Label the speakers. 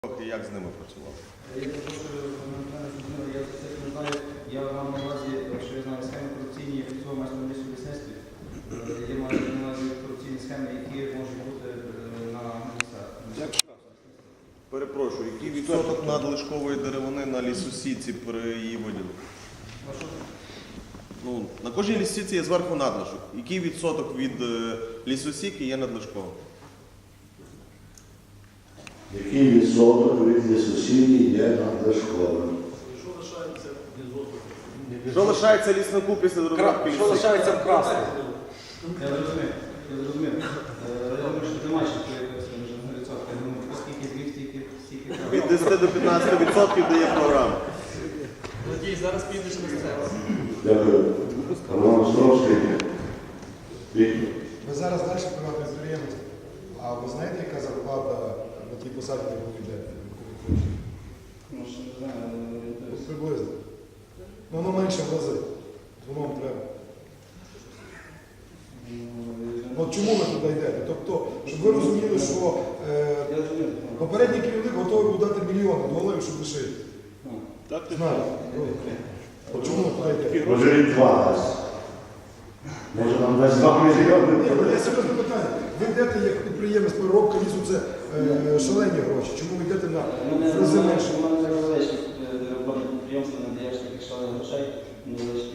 Speaker 1: Як з ними працював?
Speaker 2: Я мав на увазі, що я знаю схеми корупційні, як цього майже на лісництві. Я маю на увазі корупційні схеми, які можуть бути на лісах.
Speaker 1: Перепрошую, який відсоток надлишкової деревини на лісосіці при її виділу? Ну, на кожній лісосіці є зверху надлишок. Який відсоток від лісосіки є надлишковим?
Speaker 3: Який відсоток від лісосіки є надлишковим?
Speaker 1: Що лишається ліснику після розробки лісосіки?
Speaker 4: Що лишається вкрасти?
Speaker 2: Я зрозумів. Я думаю, що немає ще якогось відсотка. Я думаю, оскільки зміг, стільки.
Speaker 1: Від 10 до 15% дає програма.
Speaker 4: Надій, зараз підеш на сцену.
Speaker 3: Дякую. Роман Островський. Віктор.
Speaker 5: Ви зараз далі приватний підприємець. А ви знаєте, яка зарплата на тій посаді, яку ви йдете?
Speaker 2: Ну, що не знаю,
Speaker 5: Приблизно. Ну, воно менше в рази. Воно вам треба. От чому ви туди йдете? Тобто, щоб ви розуміли, що попередній керівник готовий був дати мільйони доларів, щоб лишити.
Speaker 1: Так, ти
Speaker 5: Знаєте? От чому ви туди йдете?
Speaker 3: Може він 2 Може нам дасть 2 мільйони?
Speaker 5: Ні, ну, є серйозне питання. Ви йдете як підприємець, переробка лісу, це шалені гроші. Чому ви йдете на в рази менше?
Speaker 2: У мене невеличке роботне підприємство, не даєш таких шалених грошей, невеличке